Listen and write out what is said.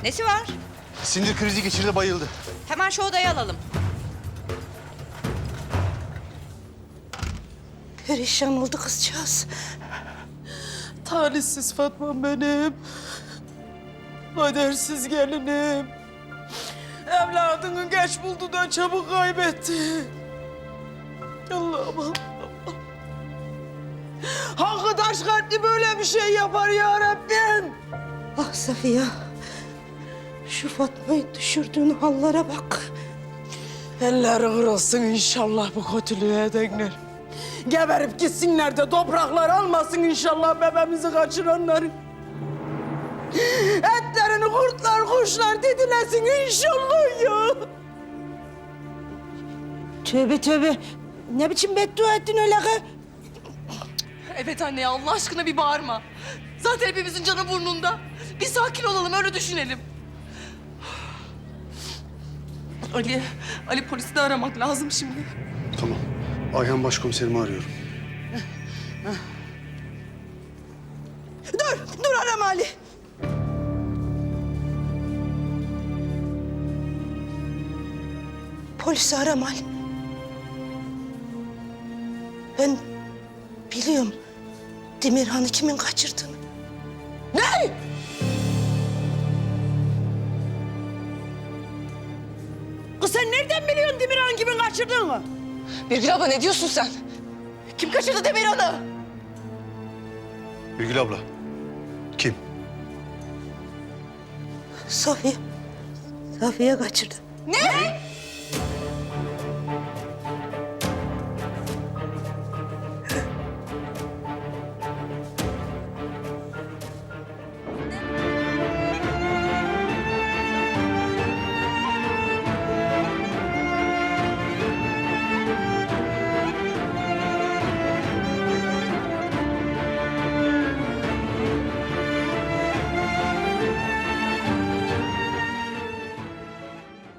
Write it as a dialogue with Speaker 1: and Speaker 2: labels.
Speaker 1: Nesi var?
Speaker 2: Sinir krizi geçirdi, bayıldı.
Speaker 1: Hemen şu odaya alalım.
Speaker 3: Perişan oldu kızcağız.
Speaker 4: Talihsiz Fatma'm benim. Kadersiz gelinim. Evladını geç buldu da çabuk kaybetti. Allah'ım Allah'ım. Hangi taş kalpli böyle bir şey yapar ya Rabbim?
Speaker 3: Ah Safiye. Şu Fatma'yı düşürdüğün hallara bak.
Speaker 4: Elleri kırılsın inşallah bu kötülüğe edenler. Geberip gitsinler de topraklar almasın inşallah bebeğimizi kaçıranların. Etlerini kurtlar, kuşlar didilesin inşallah ya.
Speaker 3: Tövbe tövbe. Ne biçim beddua ettin öyle kız?
Speaker 5: Evet anne ya, Allah aşkına bir bağırma. Zaten hepimizin canı burnunda. Bir sakin olalım, öyle düşünelim. Ali polisi de aramak lazım şimdi.
Speaker 2: Tamam. Ayhan başkomiserimi arıyorum.
Speaker 4: Dur arama Ali.
Speaker 3: Polisi arama Ali. Ben biliyorum Demirhan'ı kimin kaçırdığını.
Speaker 4: Ne? Kız sen nereden biliyorsun Demirhan kimin kaçırdığını?
Speaker 5: Birgül abla ne diyorsun sen? Kim kaçırdı Demirhan'ı?
Speaker 2: Birgül abla. Kim?
Speaker 3: Safiye. Safiye kaçırdı.
Speaker 5: Ne?